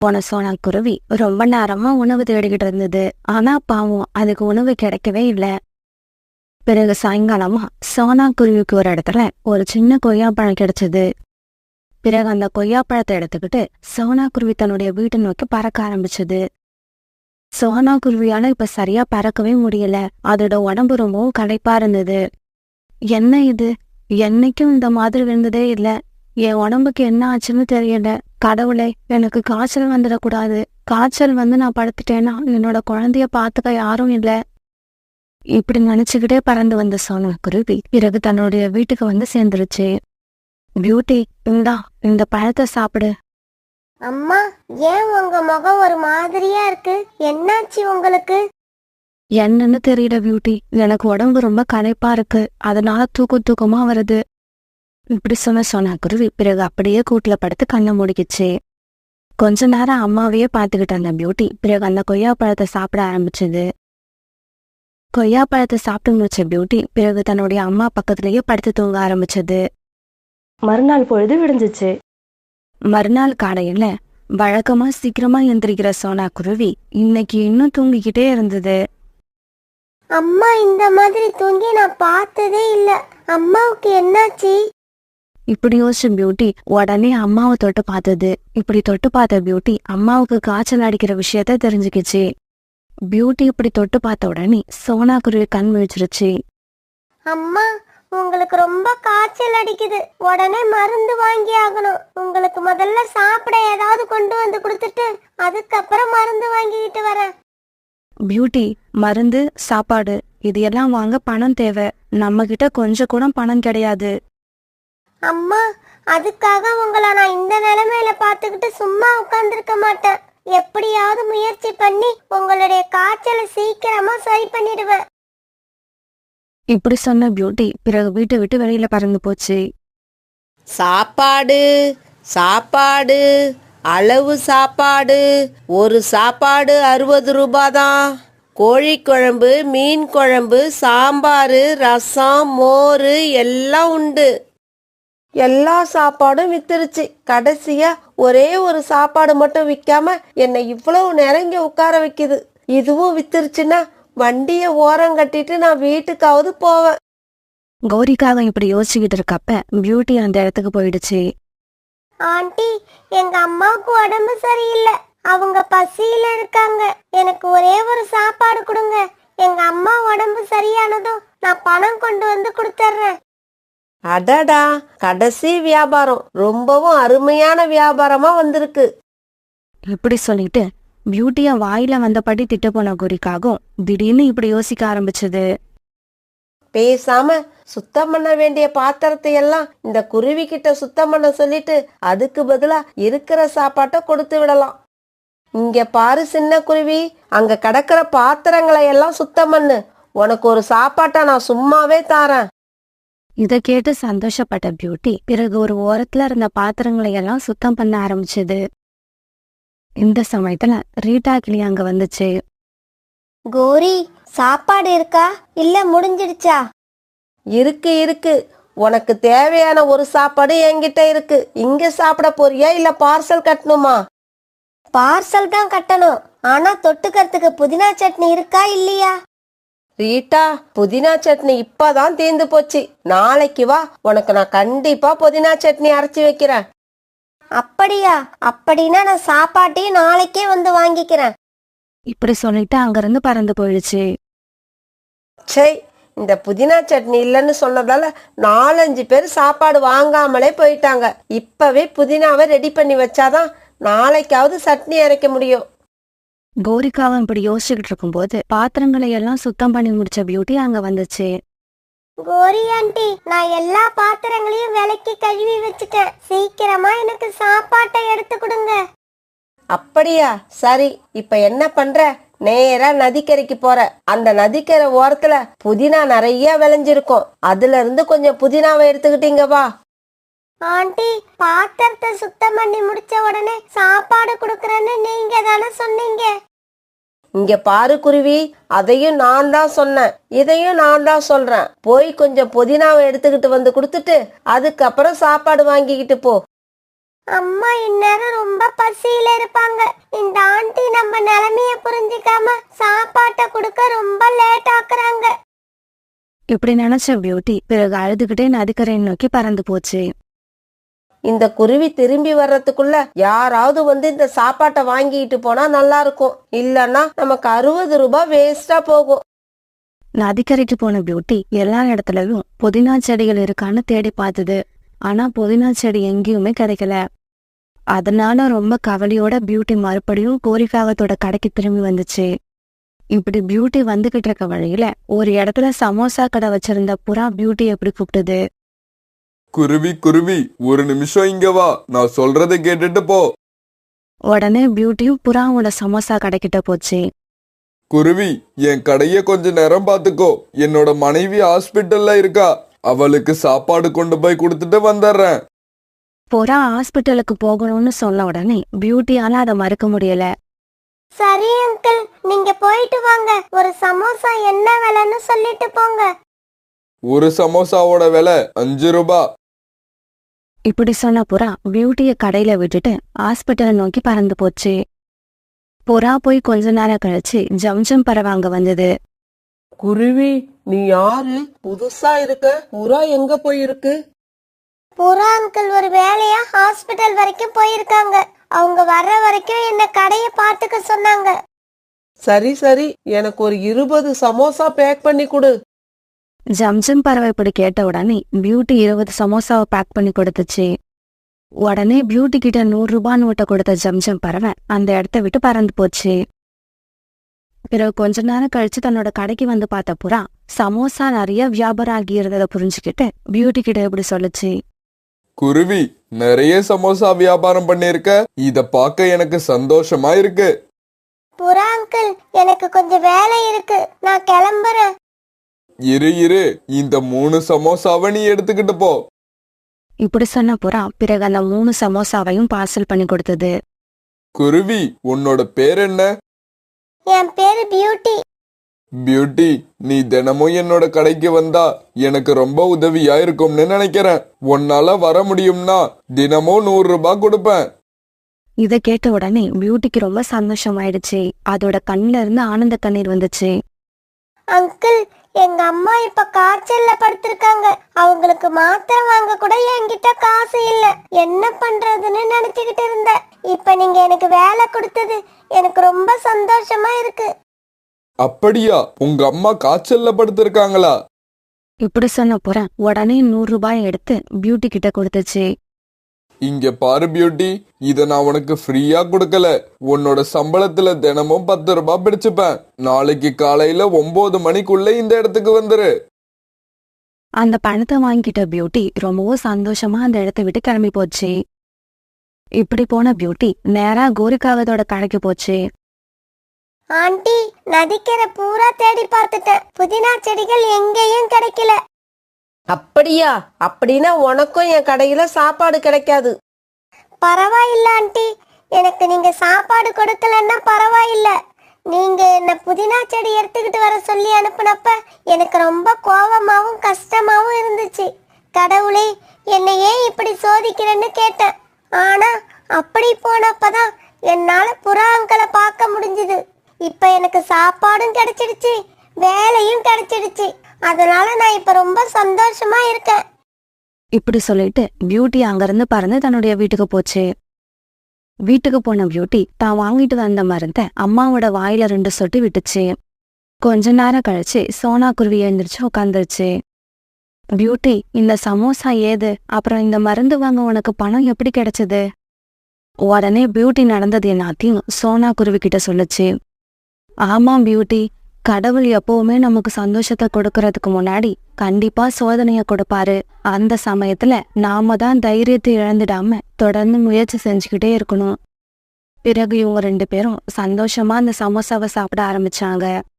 போன சோனா குருவி ரொம்ப நேரமா உணவு தேடிக்கிட்டு இருந்தது. ஆனா பாவம் அதுக்கு உணவு கிடைக்கவே இல்ல. பிறகு சாயங்காலமா சோனா குருவிக்கு ஒரு இடத்துல ஒரு சின்ன கொய்யாப்பழம் கிடைச்சது. பிறகு அந்த கொய்யாப்பழத்தை எடுத்துக்கிட்டு சோனா குருவி தன்னுடைய வீட்டை நோக்கி பறக்க ஆரம்பிச்சது. சோனா குருவியால இப்ப சரியா பறக்கவே முடியல. அதோட உடம்பு ரொம்பவும் களைப்பா இருந்தது. என்ன இது, என்னைக்கும் இந்த மாதிரி இருந்ததே இல்ல. என் உடம்புக்கு என்ன ஆச்சுன்னு தெரியல. கடவுளே, எனக்கு காய்ச்சல் வந்துடக்கூடாது. காய்ச்சல் வந்து நான் படுத்துட்டேன்னா என்னோட குழந்தைய பாத்துக்க யாரும் இல்ல. இப்படி நினைச்சுக்கிட்டே பறந்து வந்த சோனா குருவி பிறகு தன்னுடைய வீட்டுக்கு வந்து சேர்ந்துருச்சு. பியூட்டி, இந்தா இந்த பழத்தை சாப்பிடு. அம்மா, ஏன் உங்க முகம் ஒரு மாதிரியா இருக்கு? என்னாச்சு உங்களுக்கு? என்னன்னு தெரியல பியூட்டி, எனக்கு உடம்பு ரொம்ப களைப்பா இருக்கு. அதனால தூக்கமா வருது. இப்படி சொன்ன சோனா குருவி பிறகு அப்படியே கூட்டுல படுத்து கண்ணை மூடிக்கிச்சு. கொஞ்ச நேரம் அம்மாவையே பாத்துக்கிட்டு அந்த பியூட்டி பிறகு அந்த கொய்யா பழத்தை சாப்பிட ஆரம்பிச்சது. கொய்யா பழத்தை சாப்பிட்டு முடிச்ச பியூட்டி பிறகு தன்னுடைய அம்மா பக்கத்திலேயே படுத்து தூங்க ஆரம்பிச்சது. மறுநாள் பொழுது விடிஞ்சிச்சு. மறுநாள் காலையில வழக்கமா சீக்கிரமா எந்திரிக்கிற சோனா குருவி இன்னைக்கு இன்னும் தூங்கிக்கிட்டே இருந்தது. அம்மா இந்த மாதிரி தூங்கி நான் பார்த்ததே இல்ல. அம்மாவுக்கு என்னாச்சு? இப்படி யோசிச்ச பியூட்டி உடனே அம்மாவை தொட்டு பார்த்தது. இப்படி தொட்டு பார்த்த பியூட்டி அம்மாவுக்கு காய்ச்சல் அடிக்கிற விஷயத்த தெரிஞ்சுக்கிச்சு. பியூட்டி இப்படி தொட்டு பார்த்த உடனே சோனா குருவி கண் விழிச்சிருச்சு. அம்மா, உங்களுக்கு ரொம்ப காய்ச்சல் அடிக்குது. உடனே மருந்து வாங்கி ஆகணும். உங்களுக்கு முதல்ல சாப்பிட ஏதாவது கொண்டு வந்து கொடுத்துட்டு அதுக்கப்புறம் மருந்து வாங்கிக்கிட்டு வரேன். பியூட்டி, மருந்து, சாப்பாடு இது எல்லாம் வாங்க பணம் தேவை. நம்ம கிட்ட கொஞ்சம் கூட பணம் கிடையாது. அம்மா, அதுக்காக உங்களை நான் இந்த நிலைமையில பார்த்துக்கிட்டு சும்மா உட்கார்ந்துருக்க மாட்டேன். எப்படியாவது முயற்சி பண்ணி உங்களுடைய காய்ச்சலை சீக்கிரமா சரி பண்ணிடுவேன். இப்படி சொன்ன பியூட்டி பிறகு வீட்டை விட்டு வெளியில பறந்து போச்சு. சாப்பாடு சாப்பாடு அளவு சாப்பாடு. ஒரு சாப்பாடு 60 ரூபாய் தான். கோழி குழம்பு, மீன் குழம்பு, சாம்பார், ரசம், மோர் எல்லாம் உண்டு. எல்லா சாப்பாடும் வித்துருச்சு. கடைசியா ஒரே ஒரு சாப்பாடு மட்டும் விற்காம என்னை இவ்வளவு நெருங்கி உட்கார வைக்குது. இதுவும் வித்துருச்சுன்னா வண்டியை ஓரம் கட்டிட்டு நான் வீட்டுக்காவது போவேன். கௌரிக்காக இப்படி யோசிச்சுக்கிட்டு இருக்கப்ப பியூட்டி அந்த இடத்துக்கு போயிடுச்சு. ஆண்டி, எங்க அம்மாவுக்கு உடம்பு சரியில்லை. அவங்க பசியில இருக்காங்க. எனக்கு ஒரே ஒரு சாப்பாடு கொடுங்க. எங்க அம்மா உடம்பு சரியானதும் நான் பணம் கொண்டு வந்து கொடுத்துட்றேன். அடடா, கடைசி வியாபாரம் ரொம்பவும் அருமையான வியாபாரமா வந்திருக்கு. இப்படி சொல்லிட்டு பியூட்டிய வாயில வந்தபடி திட்ட போன கௌரிக்காகவும் திடீர்னு இப்படி யோசிக்க ஆரம்பிச்சது. பேசாம சுத்தம் பண்ண வேண்டிய பாத்திரத்தை எல்லாம் இந்த குருவி கிட்ட சுத்தம் பண்ண சொல்லிட்டு அதுக்கு பதிலா இருக்கிற சாப்பாட்டை கொடுத்து விடலாம். இங்க பாரு சின்ன குருவி, அங்க கிடக்கிற பாத்திரங்களை எல்லாம் சுத்தம் பண்ணு. உனக்கு ஒரு சாப்பாட்டை நான் சும்மாவே தாரேன். இத கேட்டு சந்தோஷப்பட்ட பியூட்டி பிறகு ஒரு ஓரத்துல இருந்த பாத்திரங்களை எல்லாம் சுத்தம் பண்ண ஆரம்பிச்சது. இந்த சமயத்துல ரீட்டா கிளி அங்க வந்துச்சு. கோரி, சாப்பாடு இருக்கா இல்ல முடிஞ்சிடுச்சா? இருக்கு இருக்கு. உனக்கு தேவையான ஒரு சாப்பாடு என்கிட்ட இருக்கு. இங்க சாப்பிட போறியா இல்ல பார்சல் கட்டணுமா? பார்சல் தான் கட்டணும். ஆனா தொட்டுக்கிறதுக்கு புதினா சட்னி இருக்கா இல்லையா? ரீட்டா, புதினா சட்னி இப்பதான் தீர்ந்து போச்சு. நாளைக்கு வா, உனக்கு நான் கண்டிப்பா புதினா சட்னி அரைச்சி வைக்கிறேன். அப்படியா? அப்படின்னா நான் சாப்பாட்டையும் நாளைக்கே வந்து வாங்கிக்கிறேன். இப்படி சொல்லிட்டு அங்கிருந்து பறந்து போயிடுச்சு. சே, இந்த புதினா சட்னி இல்லைன்னு சொன்னதால 4-5 பேர் சாப்பாடு வாங்காமலே போயிட்டாங்க. இப்பவே புதினாவை ரெடி பண்ணி வச்சாதான் நாளைக்காவது சட்னி அரைக்க முடியும். கௌரிக்காவும் இப்படி யோசிச்சுக்கிட்டு இருக்கும்போது பாத்திரங்களை எல்லாம் சுத்தம் பண்ணி முடிச்ச பியூட்டி அங்க வந்துச்சு. கோரி ஆண்டி, நான் எல்லா பாத்திரங்களையும் விலக்கி கழுவி வச்சுட்டேன். சீக்கிரமா எனக்கு சாப்பாட்டை எடுத்து கொடுங்க. அப்படியா? சரி, இப்ப என்ன பண்ற? நேரா நதிக்கரைக்கு போற. அந்த நதிக்கரை ஓரத்துல புதினா நிறைய விளைஞ்சிருக்கும். அதுல இருந்து கொஞ்சம் புதினாவை எடுத்துக்கிட்டீங்க வா. ஆண்டி, பாத்திரத்தை சுத்தம் பண்ணி முடிச்ச உடனே சாப்பாடு கொடுக்கறேன்னு நீங்க தானே சொன்னீங்க. இங்க பாரு குருவி, அதையும் நான் தான் சொன்னேன், இதையும் நான் தான் சொல்றேன். போய் கொஞ்சம் புதினாவை எடுத்துக்கிட்டு வந்து கொடுத்துட்டு அதுக்கப்புறம் சாப்பாடு வாங்கிக்கிட்டு போ. அம்மா இந்நேரம் ரொம்ப பசியில இருப்பாங்க. இந்த ஆண்டி நம்ம நிலைமைய புரிஞ்சுக்காம சாப்பாட்டை கொடுக்க ரொம்ப லேட் ஆக்குறாங்க. இப்படி நினைச்ச பியூட்டி பிறகு அழுதுகிட்டே நதிக்கரையை நோக்கி பறந்து போச்சு. இந்த குருவி திரும்பி வர்றதுக்குள்ள யாராவது வந்து இந்த சாப்பாட்டை வாங்கிட்டு போனா நல்லா இருக்கும். இல்லன்னா நமக்கு 60 ரூபாய் வேஸ்டா போகும். நதிக்கரைக்கு போன பியூட்டி எல்லா இடத்துலயும் புதினா செடிகள் இருக்கான்னு தேடி பார்த்தது. ஆனா புதினா செடி எங்கேயுமே கிடைக்கல. அதனால ரொம்ப கவலையோட பியூட்டி மறுபடியும் கோரிக்காகத்தோட கடைக்கு திரும்பி வந்துச்சு. இப்படி பியூட்டி வந்துகிட்டு இருக்க வழியில ஒரு இடத்துல சமோசா கடை வச்சிருந்த புறா பியூட்டி எப்படி கூப்பிட்டது. குருவி குருவி, ஒரு நிமிஷம் இங்க வா, நான் சொல்றதை கேட்டுட்டு போ. உடனே பியூட்டியும் புறாவோட சமோசா கடைக்கிட்ட போச்சு. குருவி, என் கடைய கொஞ்ச நேரம் பாத்துக்கோ. என்னோட மனைவி ஹாஸ்பிட்டல்ல இருக்கா. அவளுக்கு சாப்பாடு கொண்டு போய் கொடுத்துட்டு வந்துடுறேன். புறா ஹாஸ்பிட்டலுக்கு போகணும்னு சொன்ன உடனே பியூட்டியால அதை மறுக்க முடியல. சரி அங்கிள், நீங்க போயிட்டு வாங்க. ஒரு சமோசா என்ன விலைன்னு சொல்லிட்டு போங்க. ஒரு சமோசாவோட விலை 5 ரூபாய். இப்படி சொன்ன புறா பியூட்டிய கடையில விட்டுட்டு ஹாஸ்பிட்டலை நோக்கி பறந்து போச்சு. புறா போய் கொஞ்ச நேரம் கழிச்சு ஜம்ஜம் பறவை அங்க வந்தது. குருவி, நீ யாரு? புதுசா இருக்க. புறா எங்க போயிருக்கு? புறா அங்கிள் ஒரு வேலையா ஹாஸ்பிட்டல் வரைக்கும் போயிருக்காங்க. அவங்க வர்ற வரைக்கும் என்ன கடைய பாத்துக்க சொன்னாங்க. சரி சரி, எனக்கு ஒரு 20 சமோசா பேக் பண்ணி கொடு. ஜம்ஜம் பறவை இப்படி கேட்ட உடனே பியூட்டி 20 சமோசாவை பேக் பண்ணி கொடுத்துச்சு. உடனே பியூட்டி கிட்ட 100 ரூபாய் நோட்டை கொடுத்த ஜம்ஜம் பறவை அந்த இடத்த விட்டு பறந்து போச்சு. பிறகு கொஞ்ச நேரம் கழிச்சு தன்னோட கடைக்கு வந்து பார்த்த புறா சமோசா நிறைய வியாபாரம் ஆகி இருந்ததை புரிஞ்சுக்கிட்டு பியூட்டி கிட்ட இப்படி சொல்லுச்சு. குருவி, நிறைய சமோசா வியாபாரம் பண்ணிருக்க. இத பார்க்க எனக்கு சந்தோஷமா இருக்கு. புறா அங்கிள், எனக்கு கொஞ்சம் வேலை இருக்கு, நான் கிளம்புறேன். இரு, இந்த 3 சமோசாவை நீ எடுத்துக்கிட்டு போ. இப்படி சொன்ன புறா பிறகு அந்த 3 சமோசாவையும் பார்சல் பண்ணி கொடுத்தது. குருவி, உன்னோட பேர் என்ன? என் பேரு பியூட்டி. பியூட்டி, நீ தினமும் என்னோட கடைக்கு வந்தா எனக்கு ரொம்ப உதவியா இருக்கும்னு நினைக்கிறேன். உன்னால வர முடியும்னா தினமும் 100 ரூபாய் கொடுப்பேன். இதை கேட்ட உடனே பியூட்டிக்கு ரொம்ப சந்தோஷமாயிடுச்சு. அதோட கண்ணுல இருந்து ஆனந்த கண்ணீர் வந்துச்சு. அங்கிள், எங்க அம்மா இப்ப காய்ச்சல்ல படுத்திருக்காங்க. அவங்களுக்கு மாத்திரை வாங்க கூட என்கிட்ட காசு இல்ல. என்ன பண்றதுன்னு நினைச்சுக்கிட்டு இருந்தேன். இப்ப நீங்க எனக்கு வேலை கொடுத்தது எனக்கு ரொம்ப சந்தோஷமா இருக்கு. அப்படியா? உங்க அம்மா காய்ச்சல்ல படுத்திருக்காங்களா? இப்படி சொன்ன புறா உடனே 100 ரூபாய் எடுத்து பியூட்டி கிட்ட கொடுத்துச்சு. இங்க பாரு பியூட்டி, இத நான் உனக்கு ஃப்ரீயா கொடுக்கல. உன்னோட சம்பளத்துல தினமும் 10 ரூபாய் பிடிச்சுப்பேன். நாளைக்கு காலையில 9 மணிக்குள்ள இந்த இடத்துக்கு வந்துரு. அந்த பணத்தை வாங்கிட்ட பியூட்டி ரொம்பவும் சந்தோஷமா அந்த இடத்த விட்டு கிளம்பி போச்சு. இப்படி போன பியூட்டி நேரா கோரிக்காகத்தோட கடைக்கு போச்சு. ஆண்டி, நதிக்கரை பூரா தேடி பார்த்துட்டேன். புதினா செடிகள் எங்கேயும் கிடைக்கல. அப்படியா? அப்படின்னா உனக்கும் என் கடையில சாப்பாடு கிடைக்காது. பரவாயில்ல ஆண்டி, எனக்கு நீங்க சாப்பாடு கொடுக்கலன்னா பரவாயில்ல. நீங்க என்ன புதினா செடி எடுத்துக்கிட்டு வர சொல்லி அனுப்புனப்ப எனக்கு ரொம்ப கோவமாவும் கஷ்டமாவும் இருந்துச்சு. கடவுளே, என்னை ஏன் இப்படி சோதிக்கிறேன்னு கேட்டேன். ஆனா அப்படி போனப்பதான் என்னால புறா அங்கிளை பார்க்க முடிஞ்சுது. இப்ப எனக்கு சாப்பாடும் கிடைச்சிடுச்சு, வேலையும் கிடைச்சிடுச்சு. அதனால நான் இப்ப ரொம்ப சந்தோஷமா இருக்கேன். இப்படி சொல்லிட்டு பியூட்டி அங்கிருந்து பறந்து தன்னுடைய வீட்டுக்கு போச்சு. வீட்டுக்கு போன பியூட்டி தான் வாங்கிட்டு வந்த மருந்தை அம்மாவோட வாயில 2 சொட்டு விட்டுச்சு. கொஞ்ச நேரம் கழிச்சு சோனா குருவி எழுந்திரிச்சு உட்காந்துருச்சு. பியூட்டி, இந்த சமோசா ஏது? அப்புறம் இந்த மருந்து வாங்க உனக்கு பணம் எப்படி கிடைச்சது? உடனே பியூட்டி நடந்தது எல்லாத்தையும் சோனா குருவி கிட்ட சொல்லுச்சு. ஆமாம் பியூட்டி, கடவுள் எப்பவுமே நமக்கு சந்தோஷத்தை கொடுக்கறதுக்கு முன்னாடி கண்டிப்பா சோதனைய கொடுப்பாரு. அந்த சமயத்துல நாம தான் தைரியத்தை இழந்துடாம தொடர்ந்து முயற்சி செஞ்சுக்கிட்டே இருக்கணும். பிறகு இவங்க 2 பேரும் சந்தோஷமா அந்த சமோசாவை சாப்பிட ஆரம்பிச்சாங்க.